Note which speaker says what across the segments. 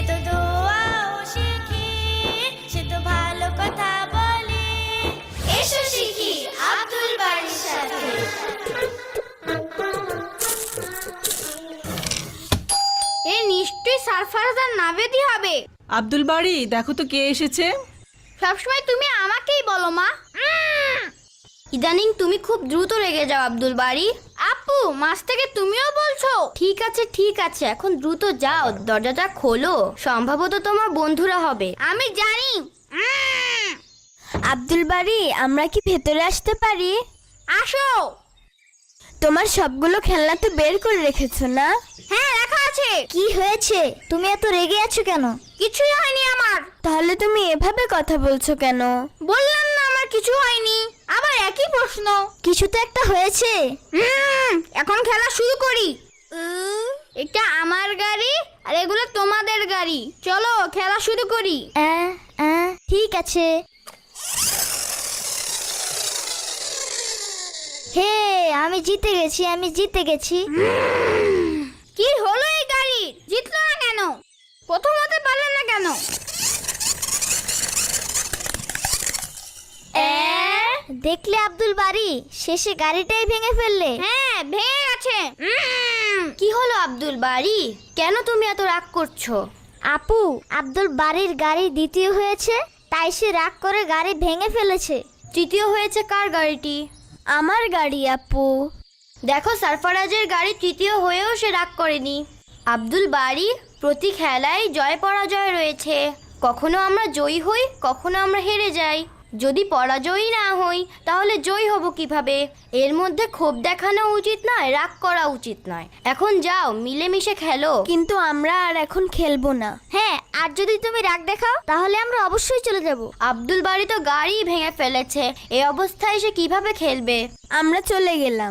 Speaker 1: তো দোয়াও শিখি, সে তো ভালো কথা বলে। এসো শিখি আব্দুল বারীর সাথে।
Speaker 2: এ নিশ্চয়ই সারফারাজ আর নাভেদি হবে।
Speaker 3: আব্দুল বারী, দেখো তো কে এসেছে।
Speaker 2: সবসময় তুমি আমাকেই বলো মা। ইদানিং তুমি খুব দ্রুত রেগে যাও আব্দুল বারী। আপু, মাছ থেকে তুমিও বলছো? ঠিক আছে ঠিক আছে, এখন দ্রুত যাও, দরজাটা খোলো, সম্ভবত তোমার বন্ধুরা হবে। আমি জানি।
Speaker 4: আব্দুল বারী, আমরা কি ভেতরে আসতে পারি?
Speaker 2: আসো।
Speaker 4: তোমার সবগুলো খেলনা তো বের করে রেখেছো না?
Speaker 2: হ্যাঁ, রাখা আছে।
Speaker 4: কি হয়েছে, তুমি এত রেগে আছো কেন?
Speaker 2: কিছুই হয়নি আমার।
Speaker 4: তাহলে তুমি এভাবে কথা বলছো কেন?
Speaker 2: বললাম না আমার কিছু হয়নি, আবার একই প্রশ্ন।
Speaker 4: কিছু তো একটা হয়েছে।
Speaker 2: এখন খেলা শুরু করি। এটা আমার গাড়ি আর এগুলো তোমাদের গাড়ি, চলো খেলা শুরু করি।
Speaker 4: ঠিক আছে। হে, আমি জিতে গেছি, আমি জিতে গেছি।
Speaker 2: কি হলো এই গাড়ি? জিতলো না কেন? প্রথম হতে পারলে না কেন?
Speaker 4: দেখলে আব্দুল বারী, শেষে গাড়িটাই ভেঙে ফেললে।
Speaker 2: হ্যাঁ, ভেঙে গেছে। কি হলো আব্দুল বারী, কেন তুমি এত রাগ করছো?
Speaker 4: আপু, আব্দুল বারীর গাড়ি দ্বিতীয় হয়েছে, তাই সে রাগ করে গাড়ি ভেঙে ফেলেছে।
Speaker 2: তৃতীয় হয়েছে কার গাড়িটি?
Speaker 4: আমার গাড়ি আপু।
Speaker 2: দেখো, সারফারাজের গাড়ি তৃতীয় হয়েও সে রাগ করেনি। আব্দুল বারী, প্রতি খেলায় জয় পরাজয় রয়েছে। কখনো আমরা জয়ী হই, কখনো আমরা হেরে যাই। যদি পরাজয়ী না হই তাহলে জয়ী হব কিভাবে? এর মধ্যে ক্ষোভ দেখানো উচিত নয়, রাগ করা উচিত নয়। এখন যাও, মিলেমিশে খেলো।
Speaker 4: কিন্তু আমরা আর এখন খেলবো না। হ্যাঁ, আর যদি তুমি রাগ দেখাও তাহলে আমরা অবশ্যই চলে যাব।
Speaker 2: আব্দুল বারী তো গাড়ি ভেঙে ফেলেছে, এই অবস্থায় সে কিভাবে খেলবে?
Speaker 4: আমরা চলে গেলাম।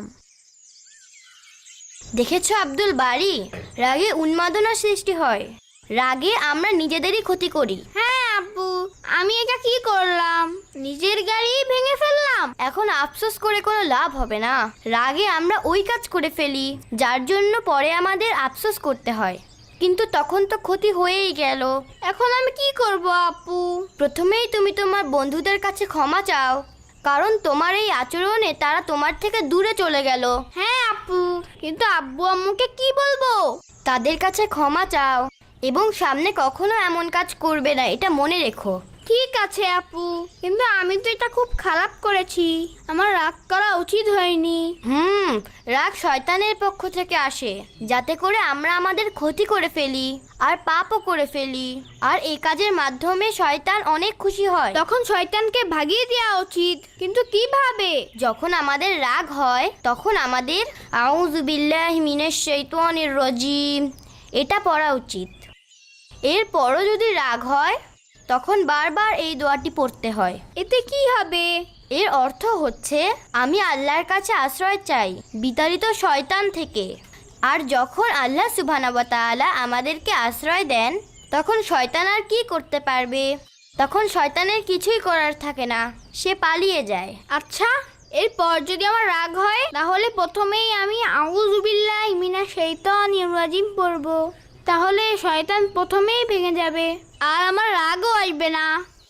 Speaker 2: দেখেছো আব্দুল বারী, রাগে উন্মাদনার সৃষ্টি হয়। রাগে আমরা নিজেদেরই ক্ষতি করি। হ্যাঁ আব্বু, আমি এটা কি করলাম? নিজের গাড়ি ভেঙে ফেললাম। এখন আফসোস করে কোনো লাভ হবে না। রাগে আমরা ওই কাজ করে ফেলি যার জন্য পরে আমাদের আফসোস করতে হয়, কিন্তু তখন তো ক্ষতি হয়েই গেল। এখন আমি কি করব আপু? প্রথমেই তুমি তোমার বন্ধুদের কাছে ক্ষমা চাও, কারণ তোমার এই আচরণে তারা তোমার থেকে দূরে চলে গেল। হ্যাঁ আপু, কিন্তু আব্বু আম্মুকে কি বলবো? তাদের কাছে ক্ষমা চাও এবং সামনে কখনো এমন কাজ করবে না, এটা মনে রেখো। ঠিক আছে আপু, কিন্তু আমি তো এটা খুব খারাপ করেছি, আমার রাগ করা উচিত হয়নি। রাগ শয়তানের পক্ষ থেকে আসে, যাতে করে আমরা আমাদের ক্ষতি করে ফেলি আর পাপও করে ফেলি। আর এই কাজের মাধ্যমে শয়তান অনেক খুশি হয়। তখন শয়তানকে ভাগিয়ে দেওয়া উচিত। কিন্তু কিভাবে? যখন আমাদের রাগ হয় তখন আমাদের আউযু বিল্লাহি মিনাশ শাইতানির রাজিম এটা পড়া উচিত। এরপরও যদি রাগ হয় তখন বারবার এই দোয়াটি পড়তে হয়। এতে কি হবে? এর অর্থ হচ্ছে আমি আল্লাহর কাছে আশ্রয় চাই বিতাড়িত শয়তান থেকে। আর যখন আল্লাহ সুবহানাহু ওয়া তাআলা আমাদেরকে আশ্রয় দেন তখন শয়তান আর কি করতে পারবে? তখন শয়তানের কিছুই করার থাকে না, সে পালিয়ে যায়। আচ্ছা, এরপর যদি আমার রাগ হয় তাহলে প্রথমেই আমি আউযু বিল্লাহি মিনাশ শাইতানির রাজিম পড়ব, তাহলে শয়তান প্রথমেই ভেঙে যাবে আর আমার রাগও আসবে না।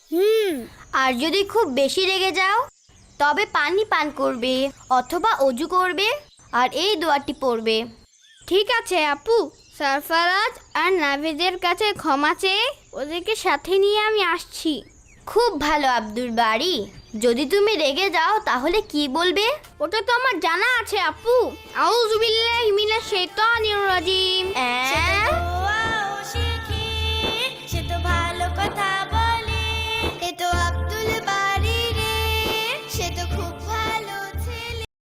Speaker 2: আর যদি খুব বেশি রেগে যাও তবে পানি পান করবে অথবা অজু করবে আর এই দোয়াটি পড়বে। ঠিক আছে আপু, সারফারাজ আর নাভেদের কাছে ক্ষমা চেয়ে ওদেরকে সাথে নিয়ে আমি আসছি। খুব ভালো আব্দুল বারী, যদি তুমি রেগে যাও তাহলে কি বলবে? ওটা তো আমার জানা আছে আপু। আউযু বিল্লাহি মিনাশ শাইতানির রাজিম।